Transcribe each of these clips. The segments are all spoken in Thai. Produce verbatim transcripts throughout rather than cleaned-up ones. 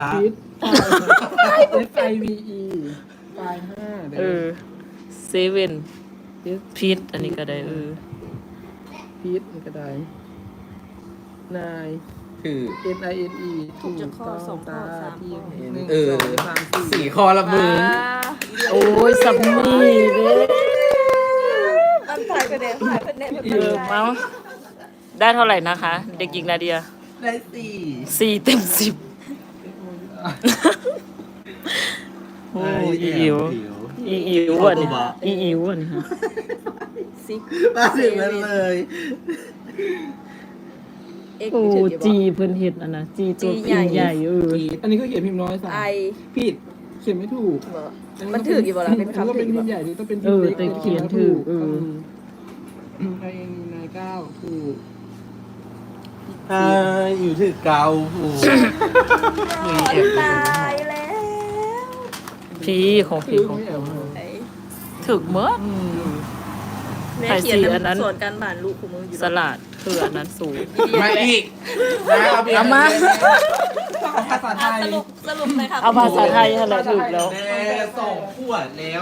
พีทไอไอวีอีไฟห้าเออเซเว่นพีทอันนี้ก็ได้เออพีทมันก็ได้นายคือ N I N E ถูกต้องตาที่หนึ่งเออสองสามสี่สี่ข้อละมึงโอ้ยสัมมีเด้อันถ่ายคะแนนถ่ายคะแนนเออเมาได้เท่าไหร่นะคะ เด็กหญิงนาเดียได้สี่สี่เต็มสิบโอ้ยอีอิวอีอิวอ่ะนี่อีอิวอ่ะนี่ฮะซิกมาถึงนั้นเลยเอ็กโอ้ซ์ถือกี่บจีอกเพิ่นเฮ็ดอันนะจีตัวจีพิมพ์ใหญ่เอออันนี้ก็เขียนพิมพ์น้อยสามไอผิดเขียนไม่ถูกมันถือกี่บอละเป็นอันนี้ก็คำถืเป็อน กี่พิบอมพ์ใหละญ่นี่ต้องเป็นเอพิมพ์อเล็กแต่เขียนถูกเออไอเอ็นนายเก้าถูกใช่อยู่ถึงเกาผูมีเอฟตายแล้วพีของพีคือของไม่แอบเหรอไอ้ถึกเมื่ออืมแม่ถ่ายเขียนสีอันนั้นส่วนการบ้านลูกของมึงอยู่สลัดคืออันนั้นสูงมาอีกนะเอาไปเอามาภาษาไทยสรุปสรุปเลยค่ะเอาภาษาไทยอะไรถูกแล้วแม่สองขวดแล้ว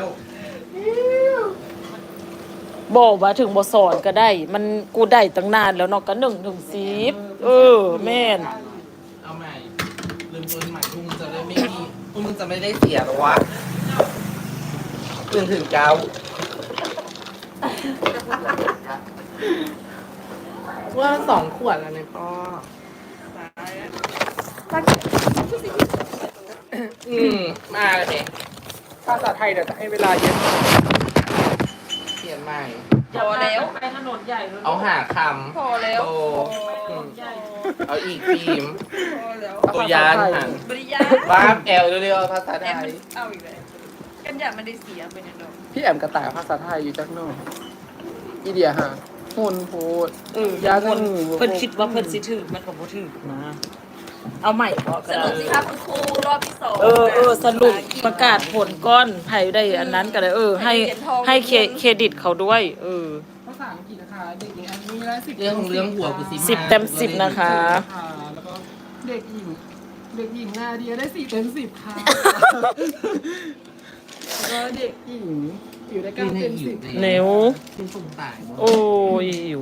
บอกว่าถึงบสอนก็ได้ มันกูได้ตั้งนานแล้วเนาะก็หนึ่งถึงสิบเออ แม่นเอาใหม่ลืมปืนใหม่พวกมึงจะได้ไม่มีพวกมึงจะไม่ได้เสียหรอวะตื่นถึงเก้าว่าสองขวดแล้วเนี่ยพ่ออืมมาเลยเนี่ยภาษาไทยเดี๋ยวจะให้เวลาเยอะเปลี่ยนใหม่พอแล้วไปถนนใหญ่เลยเอาหาคพอแล้วำโตอืมเอาอีกฟิล์มพอแล้วตัวยานหันบริยาบ้าแอลเร็วๆเอาภาษาไทแอมยเอาอีกเลยกันอย่ามันได้เสียไปเนี่ยดอกพี่แอมกระต่ายภาษาไทยอยู่จักโน่อีเดียฮะหุ่นโพดเออยาคนเพิ่นคิดว่าเพิ่นสิถึกมันก็บ่ถึกนะ เอาใหม่พอก็สได้รุปสิครับคุณครูรอบที่สองเออเออสรุปประกาศผลก้อนไผได้อันนั้นก็ได้เออ ให้ให้เครเครดิตเขาด้วย เออภาษาอังกฤษนะคะเด็กหญิงอันนี้และสิบเรื่องของเรื่องหัวกูสิสิบเต็มสิบนะคะค่ะแล้วก็เด็กหญิงเด็กหญิงนาเดียได้สี่เต็มสิบค่ะแล้วก็เด็กหญิงอยู่ได้เก้าเต็มสิบเนวคุณสงตายโอ้ยอยู่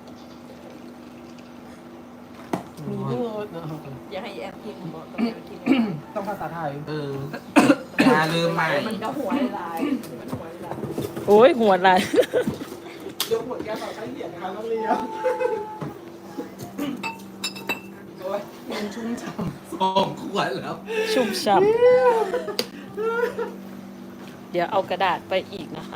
มีเยอะนะอย่าให้แอมพิมพ์บอกต้องแอมพิมพ์ต้องภาษาไทยเอออย่าลืมใหม่มันก็หัวลายมันหัวลายโอ้ยหัวลายยกหัวแก้วต่อใช้เหรียญนะคะต้องเรียนโอ้ยมันชุ่มฉ่สองขวดแล้วชุ่มฉ่ำเดี๋ยวเอากระดาษไปอีกนะคะ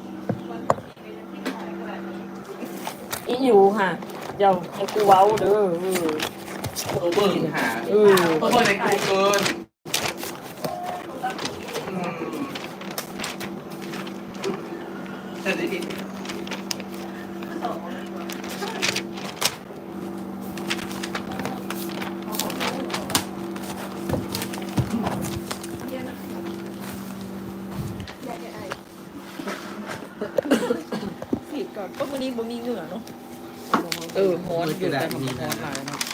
อีอยู่ค่ะเดี๋ยวให้กูเว้าเด้อเออโอเบิร์หาเออโอเบิร์ในกูเกินอืมแต่ได้ดิผิดก่อนก็วันนี้บ่มีเหงื่อเนาะเออฮอนอยู่แต่มันฮอนหลายเนาะ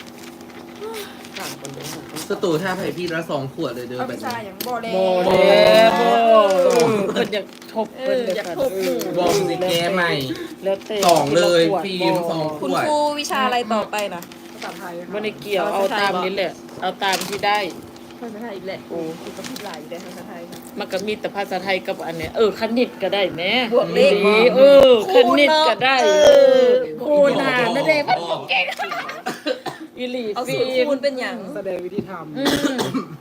สตูท่าไผ่พี่ละสองขวดเลยเด้อเอาแบไปบใส่นี้อย่างบ่แล้โมวเดโมเพิ่นอยากทบเพิ่นเลยค่ะบอมสิแกใหม่แล้วแต่สองเลยฟิล์มสองคุณครูวิชาอะไรต่อไปนะภาษาไทยบ่ได้เกี่ยวเอาตามนี้แหละ เอาตามที่ได้ภาษาไทยอีกแหละโอ้คือก็ผิดหลายอยู่แต่ภาษาไทยนะมันก็มีแต่ภาษาไทยกับอันเนี้ยเออคณิตก็ได้แหม่บวกเลขดีเออคณิตก็ได้เออคูณหารนั่นเองมันบ่เก่งอีหลีเอาฟิสูตรล์มคูณเป็นอย่างแสดงวิธีทอืม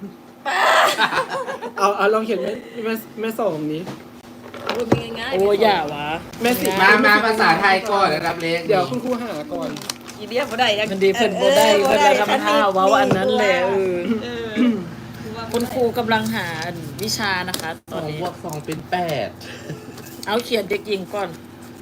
ำเอาเอาลองเขียนแม่แม่แม่สองนี้คูณเป็นง่ายๆโอ้อย่าวะแม่สิบมามาภาษาไทยก่อนระดับเล็กเดี๋ยวคุณครูหาก่อนอีเดียบ่ได้ยังมันดีเพิ่นบ่ได้เพิ่นละทำท่าเว้าอันนั้นแหละเออเออคุณครูกำลังหาวิชานะคะ ตสออน งนี้บวกสองเป็นแปดเอาเขียนเด็กหญิงก่อน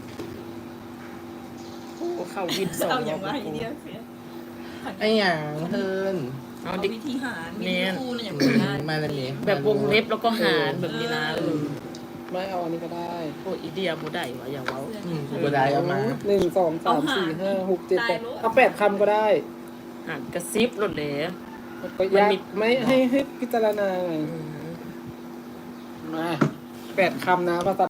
โอ้เข้าวินสองเอาอย่างรว่าอบอีเดียเสียไอ้หยังเฮินเอาเอาเด็กวิธีหารเนีมียนครูเนี่ยอย่างง่ายมาแล้วนี่แบบวงเล็บแล้วก็หารแบบนี้นะเออไม่เอาอันนี้ก็ได้โอ้อีเดียบ่ได้วะอย่าเว้าอืมกูได้เอามาหนึ่งสองสามสี่ห้าหกเจ็ดแปดเอาแปดคำก็ได้หารกระซิบรถเลยประหยัดไม่ให้ให้พิจารณาไงมาแปดคำนะภาษา